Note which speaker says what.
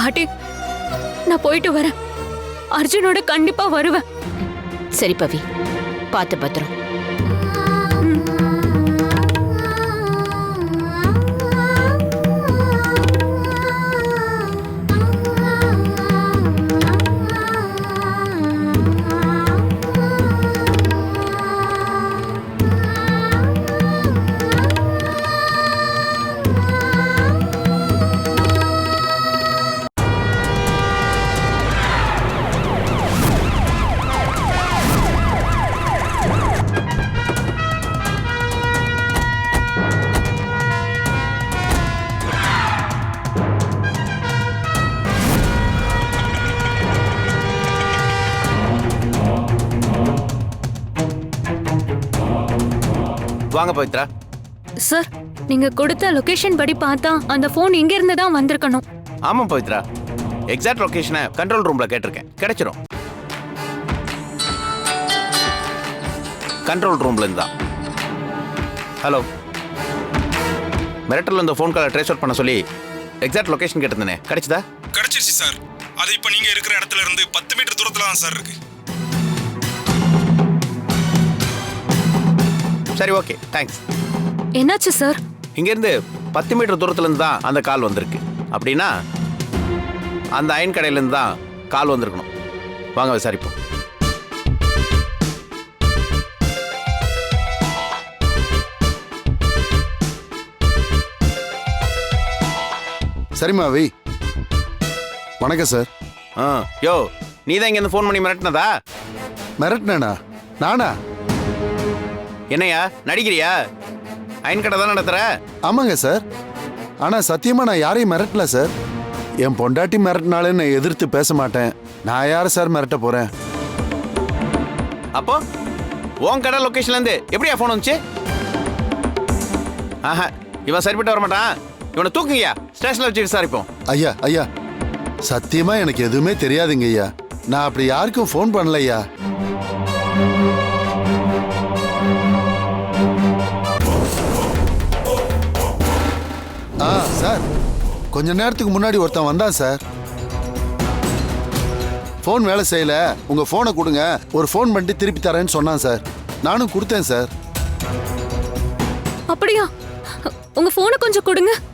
Speaker 1: பாட்டி, நான் போயிட்டு வரேன். அர்ஜுனோட கண்டிப்பா வருவேன்.
Speaker 2: சரி பவி, பார்த்து பத்திரம்.
Speaker 3: வாங்க பவித்ரா.
Speaker 1: சார், நீங்க கொடுத்த லொகேஷன் படி பார்த்தா அந்த போன் இங்க இருந்து தான் வந்திருக்கணும்.
Speaker 3: ஆமா பவித்ரா, எக்ஸாக்ட் லொகேஷனை கண்ட்ரோல் ரூம்ல கேட்டிருக்கேன், கிடைச்சிரும். கண்ட்ரோல் ரூம்ல இருந்தா. ஹலோ, மிரட்டல் இந்த ஃபோன் காலை ட்ரேஸ் அவுட் பண்ண சொல்லி எக்ஸாக்ட் லொகேஷன் கேட்டிருந்தேனே, கிடைச்சதா?
Speaker 4: கிடைச்சிருச்சு சார். அது இப்போ நீங்க இருக்கிற இடத்துல இருந்து 10 மீட்டர் தூரத்துல தான் சார் இருக்கு.
Speaker 3: சரி, ஓகே, தேங்க்ஸ்.
Speaker 1: என்னாச்சு சார்?
Speaker 3: இங்கேருந்து 10 மீட்டர் தூரத்துலேருந்து தான் அந்த கால் வந்திருக்கு. அப்படின்னா அந்த அயன் கடையிலேருந்து தான் கால் வந்திருக்கணும். வாங்க விசாரிப்போம்.
Speaker 5: சரிம்மா வை. வணக்கம் சார்.
Speaker 3: யோ, நீ தான் இங்கேருந்து ஃபோன் பண்ணி மிரட்டினதா?
Speaker 5: மிரட்டினேனா? நானா?
Speaker 3: என்னையா நடிக்கிறியா? அயன் கடை தான் நடத்துற?
Speaker 5: ஆமாங்க சார். ஆனால் சத்தியமாக நான் யாரையும் மிரட்டல சார். என் பொண்டாட்டி மிரட்டினாலே நான் எதிர்த்து பேச மாட்டேன். நான் யாரை சார் மிரட்ட போகிறேன்?
Speaker 3: அப்போ உன் கடை லொக்கேஷன்லேருந்து எப்படியா ஃபோன் வந்துச்சு? ஆஹா, இவன் சரிப்பட்டு வர மாட்டான். இவனை தூக்குங்கய்யா, ஸ்டேஷனில் வச்சு விசாரிப்போம்.
Speaker 5: ஐயா ஐயா, சத்தியமாக எனக்கு எதுவுமே தெரியாதுங்க ஐயா. நான் அப்படி யாருக்கும் ஃபோன் பண்ணலையா. சார், கொஞ்ச நேரத்துக்கு முன்னாடி ஒருத்தன் வந்தான் சார். ஃபோன் வேலை செய்யல, உங்க ஃபோனை கொடுங்க, ஒரு ஃபோன் பண்ணிட்டு திருப்பி தரேன்னு சொன்னான் சார். நானும் கொடுத்தேன் சார்.
Speaker 1: அப்படியா? உங்க போனை கொஞ்சம் கொடுங்க.